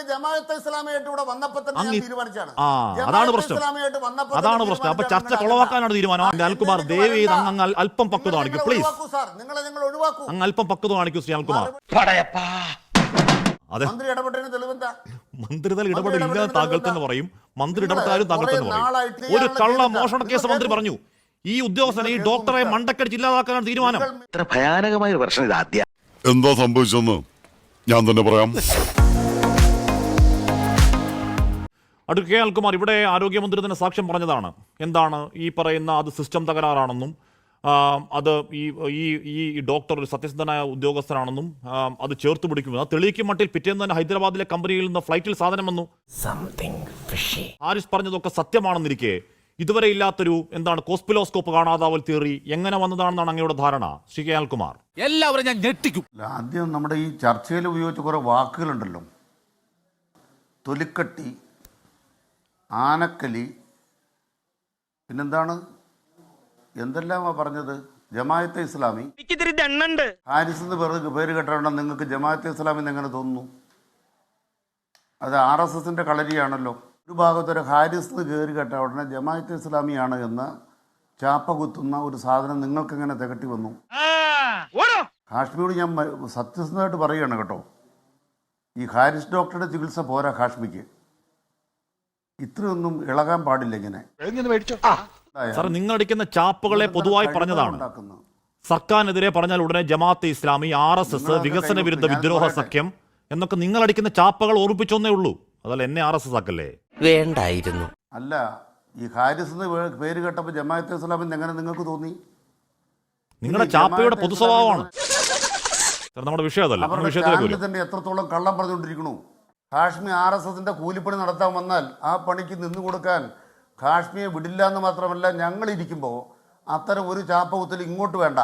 ജമാഅത്തെ ഇസ്ലാമിയായിട്ട് ഇവിടെ വന്നപ്പോൾ തന്നെ ഞാൻ തീരുമാനിച്ചാണ്. അതാണ് പ്രശ്നം. അതാണ് പ്രശ്നം. അപ്പൊ ചർച്ച കൊളവാക്കാനാണ് തീരുമാനം. അനിൽകുമാർ ദയവ് ചെയ്ത് അങ്ങ് അല്പം പക്വത കാണിക്കൂ പ്ലീസ്. അങ്ങ് അല്പം പക്വത കാണിക്കൂ ശ്രീ അനിൽകുമാർ. അതെ, മന്ത്രിതല ഇടപെടില്ലെന്ന് താങ്കൾ തന്നെ പറയും, മന്ത്രി ഇടപെട്ടാലും താങ്കൾ തന്നെ പറയും. ഒരു കള്ള മോഷണ കേസ് മന്ത്രി പറഞ്ഞു, ഈ ഉദ്യോഗസ്ഥനെ ഈ ഡോക്ടറെ മണ്ടക്കടിച്ച് ഇല്ലാതാക്കാനാണ് തീരുമാനം. ഇത്ര ഭയാനകമായ ഒരു പ്രശ്നം ഇത് ആദ്യം. എന്താ സംഭവിച്ചെന്ന് ഞാൻ തന്നെ പറയാം. അഡ്വക്കേറ്റ് കെ അനിൽകുമാർ, ഇവിടെ ആരോഗ്യമന്ത്രി തന്നെ സാക്ഷ്യം പറഞ്ഞതാണ്. എന്താണ് ഈ പറയുന്ന അത് സിസ്റ്റം തകരാറാണെന്നും അത് ഈ ഡോക്ടർ ഒരു സത്യസന്ധനായ ഉദ്യോഗസ്ഥനാണെന്നും അത് ചേർത്ത് പിടിക്കുമെന്ന് അത് തെളിയിക്കും മട്ടിൽ പിറ്റേന്ന് തന്നെ ഹൈദരാബാദിലെ കമ്പനിയിൽ നിന്ന് ഫ്ലൈറ്റിൽ സാധനം വന്നു. ഹാരിസ് പറഞ്ഞതൊക്കെ സത്യമാണെന്നിരിക്കെ ഇതുവരെ ഇല്ലാത്തൊരു എന്താണ് കോസ്പിലോസ്കോപ്പ് കാണാതാവൽ തിയറി എങ്ങനെ വന്നതാണെന്നാണ് അങ്ങയുടെ ധാരണ ശ്രീ കെ അനിൽകുമാർ? എല്ലാവരും ഞാൻ ഞെട്ടിക്കും. ആദ്യം നമ്മുടെ ഈ ചർച്ചയിൽ ഉപയോഗിച്ച കുറെ വാക്കുകളുണ്ടല്ലോ, തൊലിക്കട്ടി, ആനക്കലി, പിന്നെന്താണ്, എന്തെല്ലാമാ പറഞ്ഞത്? ജമാഅത്തെ ഇസ്ലാമി. ഹാരിസ് എന്ന് പേര് കേട്ടോണ്ട് നിങ്ങൾക്ക് ജമാഅത്തെ ഇസ്ലാമി എങ്ങനെ തോന്നുന്നു? അത് RSSന്റെ കളരിയാണല്ലോ. ഒരു ഭാഗത്തൊരു ഹാരിസ് എന്ന് കയറി കേട്ട ഉടനെ ജമാഅത്തെ ഇസ്ലാമിയാണ് എന്ന് ചാപ്പ കുത്തുന്ന ഒരു സാധനം നിങ്ങൾക്ക് എങ്ങനെ തികട്ടി വന്നു? ഹാഷ്മിയോട് ഞാൻ സത്യസന്ധമായിട്ട് പറയുകയാണ് കേട്ടോ, ഈ ഹാരിസ് ഡോക്ടറുടെ ചികിത്സ പോരാ ഹാഷ്മിക്ക്. ഇത്രയൊന്നും ഇളകാൻ പാടില്ല ഇങ്ങനെ. സാർ, നിങ്ങൾ അടിക്കുന്ന ചാപ്പുകളെ പൊതുവായി പറഞ്ഞതാണ്. സർക്കാരിനെതിരെ പറഞ്ഞാൽ ഉടനെ ജമാഅത്തെ ഇസ്ലാമി, RSS, വികസന വിരുദ്ധ വിദ്രോഹ സഖ്യം എന്നൊക്കെ നിങ്ങൾ അടിക്കുന്ന ചാപ്പകൾ ഓർപ്പിച്ചൊന്നേ ഉള്ളൂ. അതല്ല എന്നെ RSS ആക്കല്ലേ? വേണ്ടായിരുന്നു. അല്ല, ഈ ഹാരിസ് എന്ന് പേര് കേട്ടപ്പോൾ ജമാഅത്തെ ഇസ്ലാമിന് എങ്ങനെ നിങ്ങൾക്ക് തോന്നി? നിങ്ങളുടെ ചാപ്പയുടെ പൊതു സ്വഭാവമാണ്. നമ്മുടെ വിഷയം അതല്ല. തന്നെ എത്രത്തോളം കള്ളം പറഞ്ഞുകൊണ്ടിരിക്കണു. ഹാഷ്മി RSSന്റെ കൂലിപ്പണി നടത്താൻ വന്നാൽ ആ പണിക്ക് നിന്നു കൊടുക്കാൻ ഹാഷ്മിയെ വിടില്ല എന്ന് മാത്രമല്ല, ഞങ്ങൾ ഇരിക്കുമ്പോൾ അത്തരം ഒരു ചാപ്പകുത്തൽ ഇങ്ങോട്ട് വേണ്ട.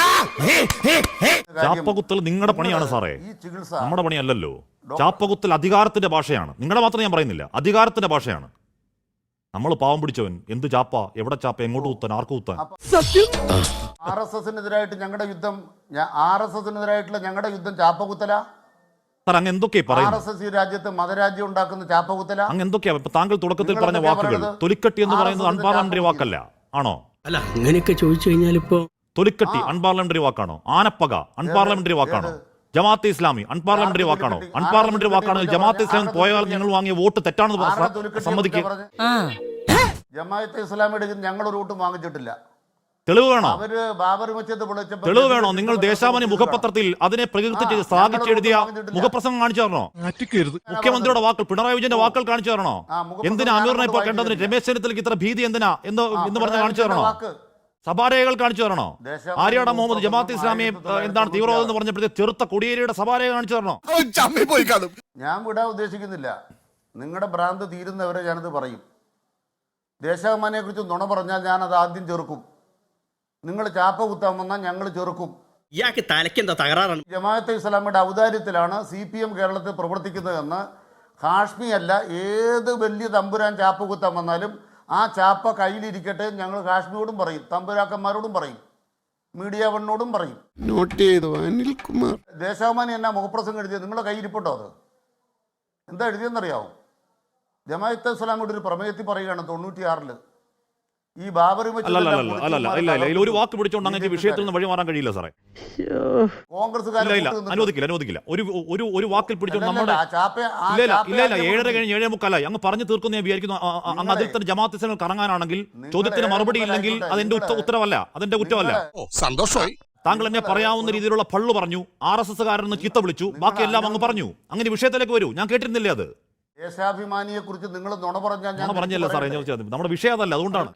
ചാപ്പകുത്തൽ നിങ്ങളുടെ പണിയാണ് സാറേ, ഈ ചികിത്സ നമ്മുടെ പണിയല്ലല്ലോ. ചാപ്പകുത്തൽ അധികാരത്തിന്റെ ഭാഷയാണ്. നിങ്ങളുടെ മാത്രം ഞാൻ പറയുന്നില്ല, അധികാരത്തിന്റെ ഭാഷയാണ്. നമ്മൾ പാവം പിടിച്ചവൻ എന്ത് ചാപ്പ, എവിടെ ചാപ്പ, എങ്ങോട്ട് കുത്താൻ, ആർക്ക് കുത്താൻ? RSSനെതിരായിട്ട് ഞങ്ങളുടെ യുദ്ധം, RSSനെതിരായിട്ടുള്ള ഞങ്ങളുടെ യുദ്ധം ചാപ്പകുത്തല. അങ്ങ് എന്തൊക്കെയാ പറയുന്നത്? RSS ഈ രാജ്യത്ത് മതരാജ്യം ഉണ്ടാക്കുന്ന ചാപ്പകുത്തല. അങ്ങ് എന്തൊക്കെയാ താങ്കൾ തുടക്കത്തിൽ പറഞ്ഞ വാക്കുകൾ? തൊലിക്കട്ടി എന്ന് പറയുന്നത് അൺപാർലമെന്ററി വാക്കല്ല ആണോ? അല്ല, അങ്ങനെയൊക്കെ ചോദിച്ചു കഴിഞ്ഞാൽ ഇപ്പോ തൊലിക്കട്ടി അൺപാർലമെന്ററി വാക്കാണോ? ആനപ്പക അൺപാർലമെന്ററി വാക്കാണോ? ജമാഅത്തെ ഇസ്ലാമി അൺപാർലമെന്ററി വാക്കാണോ? അൺപാർലമെന്ററി വാക്കാണെങ്കിൽ ജമാഅത്തെ ഇസ്ലാമി പോയാൽ ഞങ്ങൾ വാങ്ങിയ വോട്ട് തെറ്റാണെന്ന് സമ്മതിക്കുക. ജമാഅത്തെ ഇസ്ലാമിയുടെ ഞങ്ങൾ ഒരു വോട്ടും വാങ്ങിച്ചിട്ടില്ല. തെളിവ് വേണോ? തെളിവ് വേണോ? നിങ്ങൾ ദേശാമനി മുഖപത്രത്തിൽ അതിനെ പ്രകീർത്തിച്ച് ശ്ലാഘിച്ചെഴുതിയ മുഖപ്രസംഗം കാണിച്ചു തരണോ? മുഖ്യമന്ത്രിയുടെ വാക്കുകൾ, പിണറായി വിജയന്റെ വാക്കുകൾ കാണിച്ചു തരണോ? എന്തിനാ അമീറിനെ ഇപ്പോൾ കണ്ടതിന് രമേശ് ചെന്നിത്തലയ്ക്ക് ഇത്ര ഭീതി എന്തിനാ എന്ന് പറഞ്ഞ് കാണിച്ചു തരണോ? സഭാരേഖകൾ കാണിച്ചു തരണോ? ആര്യാട മുഹമ്മദ് ജമാഅത്തെ ഇസ്ലാമിയെ എന്താണ് തീവ്രവാദം എന്ന് പറഞ്ഞപ്പോഴത്തെ ചെറുത്ത കൊടിയേരിയുടെ സഭാരേഖ കാണിച്ചു തരണോ? ഞാൻ വിടാൻ ഉദ്ദേശിക്കുന്നില്ല. നിങ്ങളുടെ ഭ്രാന്ത് തീരുന്നവരെ ഞാനത് പറയും. ദേശാഭിമാനിയെ കുറിച്ച് നുണ പറഞ്ഞാൽ ഞാനത് ആദ്യം ചെറുക്കും. നിങ്ങൾ ചാപ്പ കുത്താൻ വന്നാൽ ഞങ്ങൾ ചെറുക്കും. ഇയാൾക്ക് തലയ്ക്കെന്താ തകരാറാണ്? ജമാഅത്തെ ഇസ്ലാമിയുടെ ഔദാര്യത്തിലാണ് CPM കേരളത്തിൽ പ്രവർത്തിക്കുന്നതെന്ന് ഹാഷ്മി അല്ല, ഏത് വലിയ തമ്പുരാൻ ചാപ്പ കുത്താൻ വന്നാലും ആ ചാപ്പ കയ്യിലിരിക്കട്ടെ ഞങ്ങൾ ഹാഷ്മിയോടും പറയും, തമ്പുരാക്കന്മാരോടും പറയും, മീഡിയ വണ്ണോടും പറയും. നോട്ട് ചെയ്തോ അനിൽകുമാർ? ദേശാഭിമാനി എന്നാ മുഖപ്രസംഗം എഴുതിയത്? നിങ്ങളുടെ കയ്യിരിപ്പുണ്ടോ? അത് എന്താ എഴുതിയെന്നറിയാവോ? ജമാഅത്തെ ഇസ്ലാമിയുടെ ഒരു പ്രമേയത്തിൽ പറയുകയാണ് 96 ഈ ബാബറി ഒരു വാക്ക് പിടിച്ചോണ്ട് അങ്ങനെ വിഷയത്തിൽ നിന്ന് വഴി മാറാൻ കഴിയില്ല സാറേ. അനുവദിക്കില്ല. ഒരു വാക്കിൽ പിടിച്ചോണ്ട് നമ്മുടെ ഇല്ല 7:30 കഴിഞ്ഞ് 7:45 അങ്ങ് പറഞ്ഞു തീർക്കുന്ന ഞാൻ വിചാരിക്കുന്നു. അങ്ങ് അതിൽ തന്നെ ജമാഅത്തെ ഇസ്ലാമിൽ കറങ്ങാനാണെങ്കിൽ ചോദ്യത്തിന് മറുപടി ഇല്ലെങ്കിൽ അതെന്റെ ഉത്തരവല്ല, അതെന്റെ കുറ്റമല്ല. സന്തോഷമായി. താങ്കൾ എന്നെ പറയാവുന്ന രീതിയിലുള്ള പള്ളു പറഞ്ഞു, RSSകാരന് ചീത്ത വിളിച്ചു, ബാക്കിയെല്ലാം അങ്ങ് പറഞ്ഞു. അങ്ങനെ വിഷയത്തിലേക്ക് വരൂ. ഞാൻ കേട്ടിരുന്നില്ലേ അത്? ദേശാഭിമാനിയെ കുറിച്ച് നിങ്ങൾ നുണ പറഞ്ഞല്ലോ സാറേ. നമ്മുടെ വിഷയം അതല്ല, അതുകൊണ്ടാണ്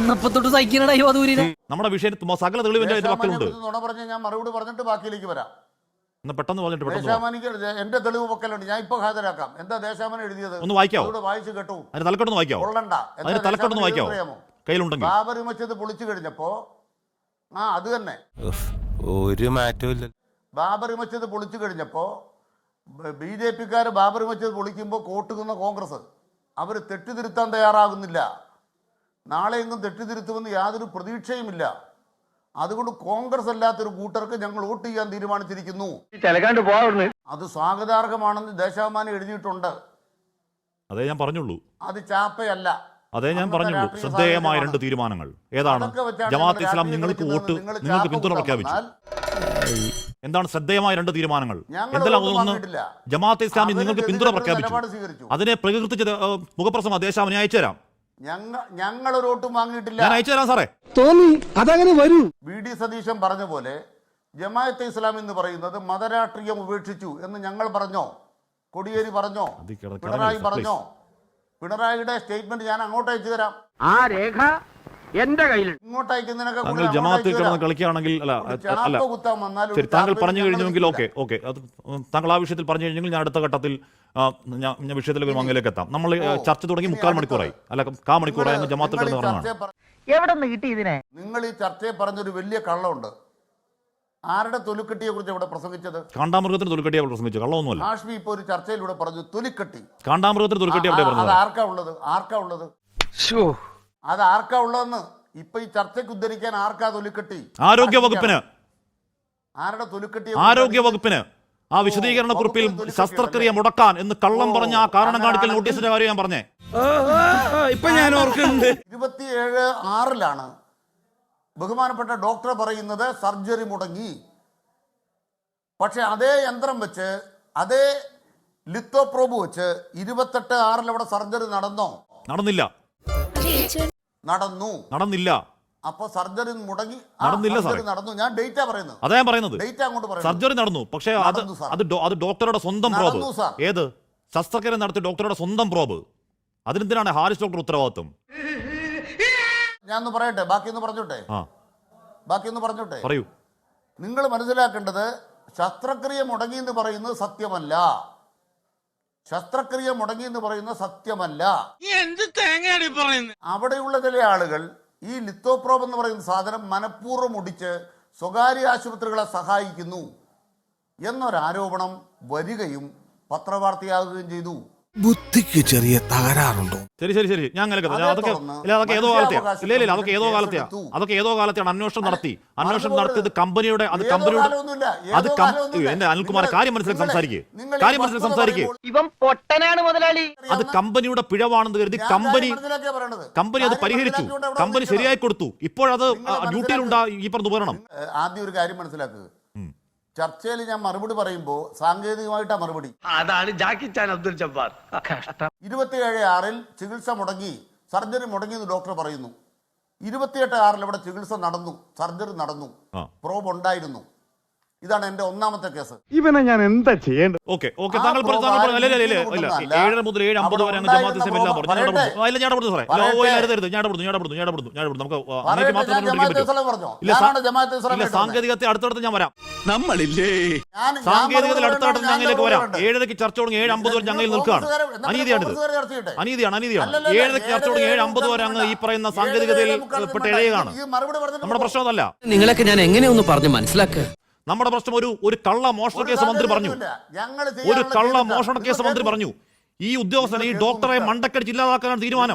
നമ്മുടെ വിഷയം സകല തെളിവിന്റെ വാക്കുകളുണ്ട്. നുണ പറഞ്ഞാൽ ഞാൻ മറുപടി പറഞ്ഞിട്ട് ബാക്കിയിലേക്ക് വരാം. പെട്ടെന്ന് പറഞ്ഞിട്ട് ദേശാഭിമാനിക്ക് എന്റെ തെളിവ് പൊക്കലുണ്ട്, ഞാൻ ഇപ്പൊ ഹാജരാക്കാം. എന്താ ദേശാഭിമാനി എഴുതിയത്? ഒന്ന് വായിക്കാവോ? വായിച്ചു കേട്ടു. തലക്കെട്ടൊന്ന് വായിക്കാവോ? തലക്കെട്ടൊന്ന് വായിക്കാവോ? കയ്യിലുണ്ടെങ്കിൽ. ബാബറി മസ്ജിദ് പൊളിച്ചു കഴിഞ്ഞപ്പോ അത് തന്നെ ഒരു മാറ്റവും. ബാബറി മസ്ജിദ് പൊളിച്ചു കഴിഞ്ഞപ്പോ BJPക്കാർ ബാബറി മസ്ജിദ് പൊളിക്കുമ്പോൾ കോട്ടുകുന്ന കോൺഗ്രസ് അവർ തെറ്റിതിരുത്താൻ തയ്യാറാകുന്നില്ല. നാളെ എങ്ങും തെറ്റിതിരുത്തുമെന്ന് യാതൊരു പ്രതീക്ഷയുമില്ല. അതുകൊണ്ട് കോൺഗ്രസ് അല്ലാത്തൊരു കൂട്ടർക്ക് ഞങ്ങൾ വോട്ട് ചെയ്യാൻ തീരുമാനിച്ചിരിക്കുന്നു. അത് സ്വാഗതാർഹമാണെന്ന് ദേശാഭിമാനി എഴുതിയിട്ടുണ്ട്. അതേ ഞാൻ പറഞ്ഞുള്ളൂ. അത് ചാപ്പയല്ല. അതേ ഞാൻ പറഞ്ഞുള്ളൂ. ശ്രദ്ധേയമായ 2 തീരുമാനങ്ങൾ ഏതാണ്? ജമാഅത്ത് ഇസ്ലാം നിങ്ങൾക്ക് പിന്തുണ പ്രഖ്യാപിച്ചു. എന്താണ് ശ്രദ്ധേയമായ 2 തീരുമാനങ്ങൾ? എന്തെല്ലാം? ഒന്ന്, ജമാഅത്ത് ഇസ്ലാമി നിങ്ങൾക്ക് പിന്തുണ പ്രഖ്യാപിച്ചു. അതിനെ പ്രകീർത്തിച്ച് മുഖപ്രസംഗം ദേശാഭിമാനി അയച്ചു തരാം. ഞങ്ങൾ ഒരു വോട്ടും വാങ്ങിയിട്ടില്ല. ഞാൻ അയച്ചു തരാം സാറേ. തോന്നി അതങ്ങനെ വരൂ. വി ഡി സതീശൻ പറഞ്ഞ പോലെ ജമാഅത്തെ ഇസ്ലാം എന്ന് പറയുന്നത് മതരാഷ്ട്രീയം ഉപേക്ഷിച്ചു എന്ന് ഞങ്ങൾ പറഞ്ഞോ? കോടിയേരി പറഞ്ഞോ? പിണറായി പറഞ്ഞോ? പിണറായിയുടെ സ്റ്റേറ്റ്മെന്റ് ഞാൻ അങ്ങോട്ട് അയച്ചു തരാം. ആ രേഖ എന്റെ കയ്യിൽ. ഇങ്ങോട്ട് അയക്കുന്നതിനൊക്കെ താങ്കൾ ജമാഅത്തിൽ കിടന്ന് കളിക്കുകയാണെങ്കിൽ ശരി, താങ്കൾ പറഞ്ഞു കഴിഞ്ഞെങ്കിൽ ഓക്കെ അത് താങ്കൾ ആ വിഷയത്തിൽ പറഞ്ഞു കഴിഞ്ഞെങ്കിൽ ഞാൻ അടുത്ത ഘട്ടത്തിൽ ഞാൻ വിഷയത്തിലേക്ക് മങ്ങയിലേക്ക് എത്താം. നമ്മൾ ചർച്ച തുടങ്ങി 3/4 മണിക്കൂറായി, അല്ല 1/4 മണിക്കൂറായി അങ്ങ് ജമാഅത്തിൽ കിടന്ന് പറഞ്ഞതാണ്. എവിടെ നിന്ന് കിട്ടി ഇതിനെ? നിങ്ങൾ ഈ ചർച്ചയെ പറഞ്ഞൊരു വലിയ കള്ളമുണ്ട്. ആരുടെ തൊലിക്കെട്ടിയെ കുറിച്ച് ഇവിടെ പ്രസംഗിച്ചത്? കാണ്ടാമൃഗത്തിന് തൊലിക്കെട്ടിയെ പ്രസംഗിച്ചു. കള്ളമൊന്നുമല്ല. ഹാഷ്മി ഇപ്പൊ ഒരു ചർച്ചയിലൂടെ പറഞ്ഞു തൊലിക്കെട്ടി. കാണ്ടാമൃഗത്തിന് തൊലിക്കെട്ടി എവിടെ പറഞ്ഞത്? അത് ആർക്കാ ഉള്ളത്? അത് ആർക്കാ ഉള്ളതെന്ന് ഇപ്പൊ ഈ ചർച്ചയ്ക്ക് ഉദ്ധരിക്കാൻ ആർക്കാ തൊലിക്കെട്ടി? ആരോഗ്യ വകുപ്പിന്. ആരുടെ തൊലിക്കെട്ടി? ആരോഗ്യ വകുപ്പിന്. ആ വിശദീകരണ കുറിപ്പിൽ ശസ്ത്രക്രിയ മുടക്കാൻ എന്ന് കള്ളം പറഞ്ഞ ആ കാരണം കാണിക്കൽ നോട്ടീസിന്റെ കാര്യം ഞാൻ പറഞ്ഞേ. ഇപ്പൊ ഞാൻ ഓർക്കുന്നുണ്ട്. 27/6 ബഹുമാനപ്പെട്ട ഡോക്ടർ പറയുന്നത് സർജറി മുടങ്ങി. പക്ഷെ അതേ യന്ത്രം വെച്ച്, അതേ ലിത്തോപ്രോബ് വെച്ച് 28/6 അവിടെ സർജറി നടന്നോ? നടന്നില്ല. നടന്നില്ല. അപ്പൊ സർജറി മുടങ്ങി. നടന്നില്ല സാറേ. നടന്നു. ഞാൻ ഡേറ്റ പറയുന്നത്. അതാ ഞാൻ പറയുന്നത്. ഡേറ്റ അങ്ങോട്ട് പറയുന്നത്. സർജറി നടന്നു. പക്ഷേ അത് ഡോക്ടറുടെ സ്വന്തം പ്രോബ്. ഏത്? ശസ്ത്രക്രിയ നടത്തിയ ഡോക്ടറുടെ സ്വന്തം പ്രോബ്. അതിനെന്തിനാണ് ഹാരിസ് ഡോക്ടർ ഉത്തരവാദിത്വം? ഞാൻ പറയട്ടെ, ബാക്കിയൊന്ന് പറഞ്ഞോട്ടെ. പറയൂ. നിങ്ങൾ മനസ്സിലാക്കേണ്ടത് ശസ്ത്രക്രിയ മുടങ്ങി എന്ന് പറയുന്നത് സത്യമല്ല. ശസ്ത്രക്രിയ മുടങ്ങി എന്ന് പറയുന്നത് സത്യമല്ല. അവിടെയുള്ള ചില ആളുകൾ ഈ ലിത്തോപ്രോബ് എന്ന് പറയുന്ന സാധനം മനഃപൂർവ്വം ഒടിച്ച് സ്വകാര്യ ആശുപത്രികളെ സഹായിക്കുന്നു എന്നൊരാരോപണം വരികയും പത്രവാർത്തയാകുകയും ചെയ്തു. ബുദ്ധിക്ക് ചെറിയ തകരാറുണ്ടോ? ശരി ഞാൻ അതൊക്കെ ഏതോ കാലത്തെയാണ് അന്വേഷണം നടത്തിയത്. കമ്പനിയുടെ എന്റെ അനിൽകുമാർ കാര്യം മനസ്സിലാക്കി സംസാരിക്കുക. ഇവൻ പൊട്ടനാണ് മുതലാളി. അത് കമ്പനിയുടെ പിഴവാണെന്ന് കരുതി കമ്പനി അത് പരിഹരിച്ചു. കമ്പനി ശരിയായി കൊടുത്തു. ഇപ്പോഴത് ഡ്യൂട്ടിയിലുണ്ടാ ഈ പറഞ്ഞ ഉപകരണം. ആദ്യം ഒരു കാര്യം മനസ്സിലാക്കുക. ചർച്ചയിൽ ഞാൻ മറുപടി പറയുമ്പോൾ സാങ്കേതികമായിട്ടാ മറുപടി. അതാണ് ജാക്കി ചാൻ അബ്ദുൽ ജബ്ബാർ. 27/6 ചികിത്സ മുടങ്ങി, സർജറി മുടങ്ങി എന്ന് ഡോക്ടർ പറയുന്നു. 28/6 അവിടെ ചികിത്സ നടന്നു, സർജറി നടന്നു, പ്രോബ് ഉണ്ടായിരുന്നു. ഇതാണ് എന്റെ ഒന്നാമത്തെ കേസ്. ഇവനെ ഞാൻ എന്താ ചെയ്യേണ്ടത്? ഓക്കെ താങ്കൾ 7 മുതൽ 7:50 വരെ ജമാഅത്ത് ഇസ്ലാം എല്ലാം പറഞ്ഞു. ഞാൻ ഇടപെടുന്നു സാറേ. നമുക്ക് സാങ്കേതികത്തെ അടുത്തടുത്ത് ഞാൻ വരാം. സാങ്കേതികത്തിൽ അടുത്തടുത്ത് ഞങ്ങളിലേക്ക് വരാം. 7:00 ചർച്ച തുടങ്ങി 7:50 വരെ ഞങ്ങളിൽ നിൽക്കുകയാണ്. അനീതിയാണ്. 7:00 ചർച്ച തുടങ്ങി 7:50 വരെ അങ്ങ് ഈ പറയുന്ന സാങ്കേതികതയിൽ പെട്ട ഇഴയുകയാണ്. നമ്മുടെ പ്രശ്നം അതല്ല. നിങ്ങളൊക്കെ ഞാൻ എങ്ങനെയൊന്ന് പറഞ്ഞു മനസ്സിലാക്കുക. നമ്മുടെ പ്രശ്നം ഒരു കള്ള മോഷണ കേസ് മന്ത്രി പറഞ്ഞു. ഈ ഉദ്യോഗസ്ഥനെ, ഈ ഡോക്ടറെ മണ്ടക്കടിച്ച് ഇല്ലാതാക്കാനാണ് തീരുമാനം.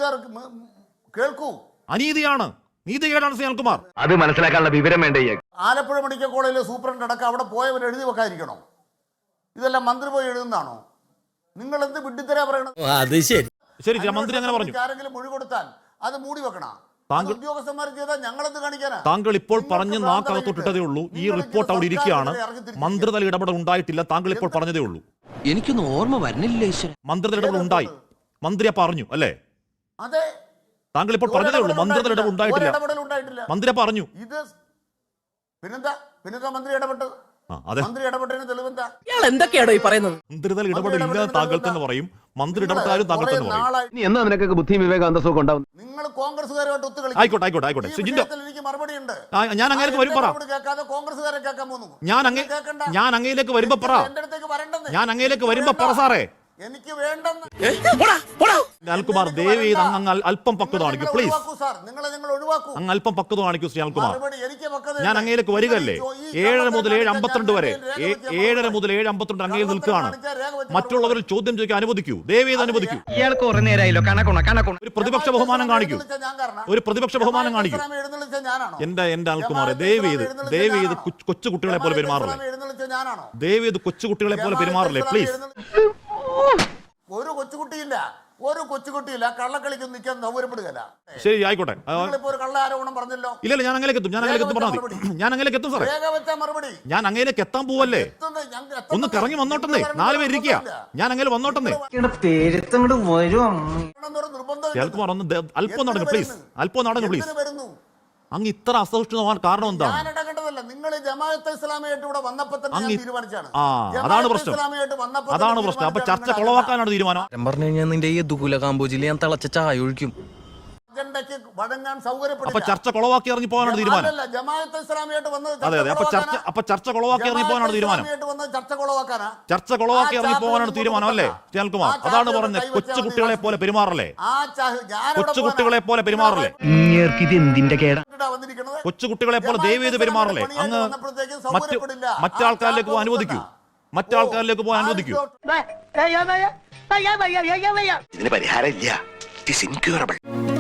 അനീതിയാണ്, നീതികേടാണ് അനിൽകുമാർ. അത് മനസ്സിലാക്കാനുള്ള വിവരം വേണ്ടേ? ആലപ്പുഴ മെഡിക്കൽ കോളേജിലെ സൂപ്രണ്ട് അടക്കം അവിടെ പോയവർ എഴുതി വെക്കാതിരിക്കണോ? ഇതെല്ലാം മന്ത്രി പോയി എഴുതുന്നതാണോ? നിങ്ങൾ എന്ത് വിഡ്ഢിത്തരാ പറയണത്? അത് ശരി. മന്ത്രി അങ്ങനെ പറഞ്ഞു. ആരെങ്കിലും മൊഴി കൊടുത്താൽ അത് മൂടി വെക്കണം. താങ്കൾ ഇപ്പോൾ പറഞ്ഞ് നാക്കകത്തൊട്ടിട്ടതേ ഉള്ളൂ. ഈ റിപ്പോർട്ട് അവിടെ ഇരിക്കുകയാണ്. മന്ത്രിതല ഇടപെടൽ ഉണ്ടായിട്ടില്ല. താങ്കൾ ഇപ്പോൾ പറഞ്ഞതേ ഉള്ളൂ. എനിക്കൊന്നും ഓർമ്മ വരുന്നില്ല. മന്ത്രിതല ഇടപെടൽ ഉണ്ടായി, മന്ത്രിയെ പറഞ്ഞു അല്ലേ? താങ്കൾ ഇപ്പോൾ പറഞ്ഞതേ ഉള്ളൂ. മന്ത്രിതല ഇടപെടൽ ഉണ്ടായിട്ടില്ല, മന്ത്രിയെ പറഞ്ഞു. പിന്നെന്താ മന്ത്രി ഇടപെട്ടത്? എന്തൊക്കെയാണോ ഈ പറയുന്നത്? മന്ത്രിതല ഇടപെടലില്ല താങ്കൾ തന്നെ പറയും. മന്ത്രി ഇടപെട്ടാലും താങ്കൾ തന്നെ പറയും. എന്നാ നിനക്കൊക്കെ ബുദ്ധിയും വിവേകം അന്തസ്സൊക്കെ ഉണ്ടാവും. നിങ്ങൾ കോൺഗ്രസ്സുകാരുമായിട്ട് ഒത്തുകളി. ആയിക്കോട്ടെ. എനിക്ക് മറുപടി ഉണ്ട്. ഞാൻ അങ്ങേലേക്ക് വരും പറ. കോൺഗ്രസ്സുകാരെ കേൾക്കാൻ പോകുന്നു. ഞാൻ അങ്ങയിലേക്ക് വരുമ്പോ പറ. ഞാൻ അങ്ങയിലേക്ക് വരുമ്പോ പറ സാറേ. എനിക്ക് വേണ്ടെന്ന് അനിൽകുമാർ ദയവ് ചെയ്ത് അങ്ങ് അല്പം പക്വത കാണിക്കൂ പ്ലീസ്. സാർ, നിങ്ങളെ ഞങ്ങൾ ഒഴിവാക്കൂ. അങ്ങ് അല്പം പക്വത കാണിക്കൂ ശ്രീ അനിൽകുമാർ. മറുപടി എനിക്ക് പക്വതയുണ്ട്. ഞാൻ അങ്ങയിലേക്ക് വരികയല്ലേ. 7 മുതൽ 7:52 വരെ 7:30 മുതൽ 7:52 അങ്ങയിൽ നിൽക്കുകയാണ്. മറ്റുള്ളവരിൽ ചോദ്യം ചോദിക്കാൻ അനുവദിക്കൂ, ദയവ് ചെയ്ത് അനുവദിക്കൂ. ഇയാൾക്ക് കുറെ നേരമായല്ലോ കണക്കുണ ഒരു പ്രതിപക്ഷ ബഹുമാനം കാണിക്കൂ, ഒരു പ്രതിപക്ഷ ബഹുമാനം കാണിക്കൂ. എഴുന്നള്ളിച്ച ഞാനാണോ? എന്റെ അനിൽകുമാറെ ദയവ് ചെയ്ത് കൊച്ചു കുട്ടികളെ പോലെ പെരുമാറില്ലേ, എഴുന്നള്ളിച്ച ഞാനാണോ? ദയവ് ചെയ്ത് കൊച്ചു കുട്ടികളെ പോലെ പെരുമാറില്ലേ പ്ലീസ്. ഒരു കൊച്ചുകുട്ടിയില്ല കള്ളക്കളിക്കൊന്നും നിൽക്കാൻ സൗകര്യപ്പെടുകയല്ല. ശരി ആയിക്കോട്ടെ. നിങ്ങളിപ്പോ ഒരു കള്ള ആരോപണം പറഞ്ഞല്ലോ. ഇല്ല ഞാൻ അങ്ങനെയൊക്കെ എത്തും പറഞ്ഞാൽ മതി. ഞാൻ അങ്ങനെയൊക്കെ എത്തും സാറേ. മറുപടി ഞാൻ അങ്ങനെയൊക്കെ എത്താൻ പോവല്ലേ. ഒന്ന് കറങ്ങി വന്നോട്ടെന്നേ, 4 പേര് ഇരിക്കുക. ഞാൻ അങ്ങനെ വന്നോട്ടെന്നേ. കേൾക്കുമാർ ഒന്ന് അല്പം നടങ്ങും പ്ലീസ്, അല്പം നടങ്ങും പ്ലീസ്. അങ്ങ് ഇത്ര അസഹിഷ്ണുമാകാൻ കാരണം എന്താണ്? നിങ്ങൾ ജമാഅത്തെ ഇസ്ലാമിയായിട്ട് ഇവിടെ വന്നപ്പോൾ തന്നെ ഞാൻ തീരുമാനിച്ചാണ്. അതാണ് പ്രശ്നം. അപ്പൊ ചർച്ച കൊളവാക്കാനാണ് തീരുമാനം. പറഞ്ഞു കഴിഞ്ഞാൽ നിന്റെ ഈ ദുകുല കാമ്പോജിൽ ഞാൻ തിളച്ച ചായ ഒഴിക്കും. അജണ്ടയ്ക്ക് വഴങ്ങാൻ സൗകര്യപ്പെടില്ല. അപ്പൊ ചർച്ച കൊളവാക്കി ഇറങ്ങി പോകാനാണ് തീരുമാനം. ജമാഅത്തെ ഇസ്ലാമിയായിട്ട് വന്നത് അതെ അപ്പൊ ചർച്ച കൊളവാക്കി ഇറങ്ങി പോകാനാണ് തീരുമാനം. ചർച്ച കൊളവാക്കി ഇറങ്ങി പോകാനാണ് തീരുമാനം അല്ലേ അനിൽകുമാർ? അതാണ് പറഞ്ഞത്, കൊച്ചുകുട്ടികളെ പോലെ പെരുമാറല്ലേ, കൊച്ചുകുട്ടികളെ പോലെ പെരുമാറല്ലേ, കൊച്ചുകുട്ടികളെ പോലെ ദയവ് ചെയ്ത് പെരുമാറല്ലേ. അങ്ങ് മറ്റാൾക്കാരിലേക്ക് പോകാൻ അനുവദിക്കൂ, മറ്റാൾക്കാരിലേക്ക് പോകാൻ അനുവദിക്കൂ. ഇതിന് പരിഹാരം ഇല്ല.